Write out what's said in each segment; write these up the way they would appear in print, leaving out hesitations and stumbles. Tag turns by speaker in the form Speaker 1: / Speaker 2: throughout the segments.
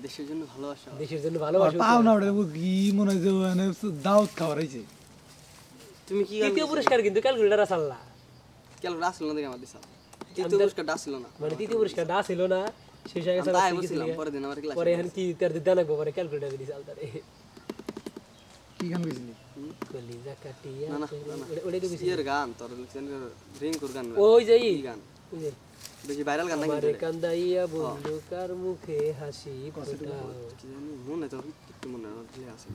Speaker 1: দেশের জন্য ভালোবাসা
Speaker 2: দেশের জন্য ভালোবাসা
Speaker 3: পাও না ওটা কি মনে হয় যে মানে দাওয়াত খাওয়ার হইছে
Speaker 1: তুমি কি গান
Speaker 2: তৃতীয় পুরস্কার কিন্তু ক্যালকুলেটর আসল না
Speaker 1: কেন রাসল না দেখে আমার দিছাল তৃতীয় পুরস্কার ডাছিল না
Speaker 2: মানে তৃতীয় পুরস্কার না ছিল না শেষ হয়ে গেছে
Speaker 1: তাই বলছিলাম পরের দিন আমার ক্লাস
Speaker 2: পরে এখন কি তার দিতে লাগবে পরে ক্যালকুলেটর দিছে আলতারে
Speaker 3: কি গান গেছিলি
Speaker 2: কলিজা কাটিয়া
Speaker 1: না না
Speaker 2: ওটাই তো কিছু
Speaker 1: ইয়ের গান তোর রিংকুর গান
Speaker 2: ওই যে
Speaker 1: কি গান
Speaker 2: ওই যে
Speaker 1: বেশি ভাইরাল গান নাকি
Speaker 2: আমারে কান্দাইয়া বন্ধু কার মুখে হাসি ফোটাও
Speaker 1: কি জানি মনে তো একটু মনে আছে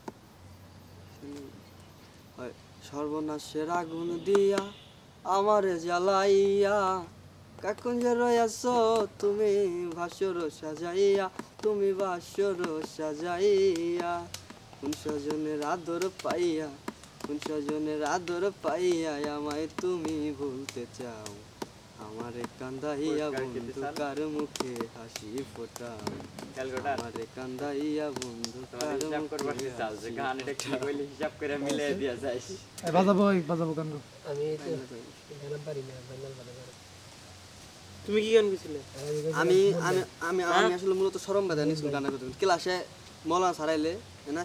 Speaker 1: হয় সর্বনাশের আগুন দিয়া আমারে জ্বালাইয়া কাকুন যে রয়াছ তুমি ভাসর সাজাইয়া তুমি ভাসর সাজাইয়া কোন স্বজনের আদর পাইয়া কোন স্বজনের আদর পাইয়া আমায় তুমি ভুলতে চাও আমারে কান্দাইয়া বন্ধু কার মুখে হাসি ফোটাও আমারে কান্দাইয়া বন্ধু কার মুখে হাসি
Speaker 3: বাজাবো গান
Speaker 2: আমি তো গান পারি না বাংলা ভালো করে
Speaker 1: তুমি কি গান গেছিলে আমি আমি আমি আমি আসলে মূলত শরম বাধা নিছিল গানের কথা ক্লাসে মৌলানা সারাইলে না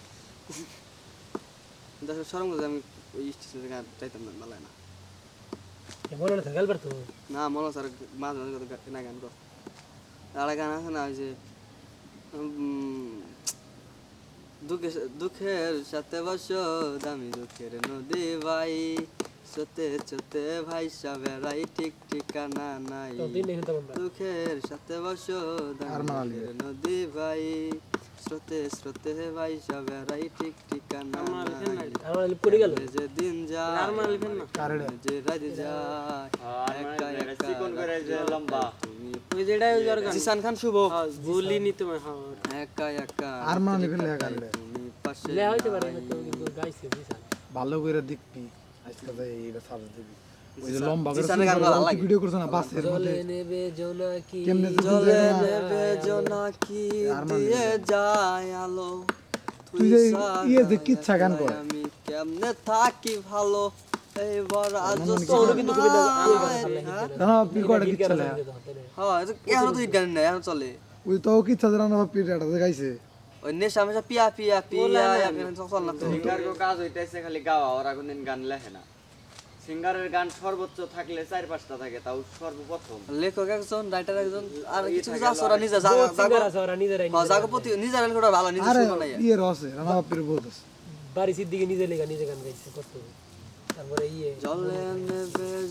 Speaker 1: দেখো শরম বাধা আমি ওই স্টেজে গান চাইতাম না ভালো না
Speaker 2: মনে না গাল পারতো
Speaker 1: না মৌলানা স্যার মাঝে মাঝে কথা না গান কর আর গান আছে না ওই যে দুঃখের সাথে বসো দামি দুঃখের নদী ভাই চতে চতে ভাই সাবেরাই ঠিক ঠিকানা নাই
Speaker 2: দিন দেখুন তো আমরা
Speaker 1: দুঃখের সাথে বসো দামি নদী ভাই স্রোতে স্রোতে ভাই সাবেরাই ঠিক ঠিকানা নাই
Speaker 2: আমার লিপ করে গেল
Speaker 1: যে দিন যায় আর মারলিবেন না যে রাত যায় একা একা চিকন করে যে লম্বা ওই যেটাই ওই অর্গান জিসান খান শুভ ভুলি নি তুমি হ্যাঁ একা একা
Speaker 3: আর মারলিবেন না গান
Speaker 1: তুমি পাশে
Speaker 2: লে হইতে পারে হয়তো কিন্তু গাইছে বিশাল
Speaker 3: ভালো করে দেখবি আজকে তো এইটা সার্চ দিবি ওই যে লম্বা করে
Speaker 1: জিসানের গান ভালো লাগে
Speaker 3: ভিডিও করছ না বাসের মধ্যে
Speaker 2: জলে নেবে জোনাকি
Speaker 3: কেমনে
Speaker 1: জলে নেবে জোনাকি দিয়ে যায় আলো
Speaker 3: তুই যে ইয়ে যে কিচ্ছা গান কর
Speaker 1: আমি কেমনে থাকি ভালো এইবার আজ
Speaker 2: ওর কিন্তু খুবই
Speaker 3: না পিকোড়া কিচ্ছা না
Speaker 1: হ্যাঁ এখন তো গান নাই এখন চলে
Speaker 3: ওই তো কিচ্ছা জানা না পিরিয়ড গাইছে
Speaker 1: ওই নেশা মেশা পিয়া পিয়া পিয়া এখন চল না তো
Speaker 4: সিঙ্গার কো কাজ হইতাছে খালি গাওয়া ওরা কোনদিন গান লেখে না সিঙ্গারের গান সর্বোচ্চ থাকলে 4-5টা থাকে তাও সর্বপ্রথম
Speaker 1: লেখক একজন রাইটার একজন আর কিছু কিছু আছে ওরা নিজে
Speaker 2: সিঙ্গার আছে ওরা নিজেরাই
Speaker 1: জাগপতি নিজের গান করা ভালো নিজে
Speaker 3: আরে
Speaker 1: শুনো না
Speaker 3: ইয়ে রসে রানা বাপির বহুত আছে
Speaker 2: বাড়ি সিদ্দিকে নিজে লেখা নিজে গান গাইছে কত তারপরে ইয়ে
Speaker 1: জলে নেবে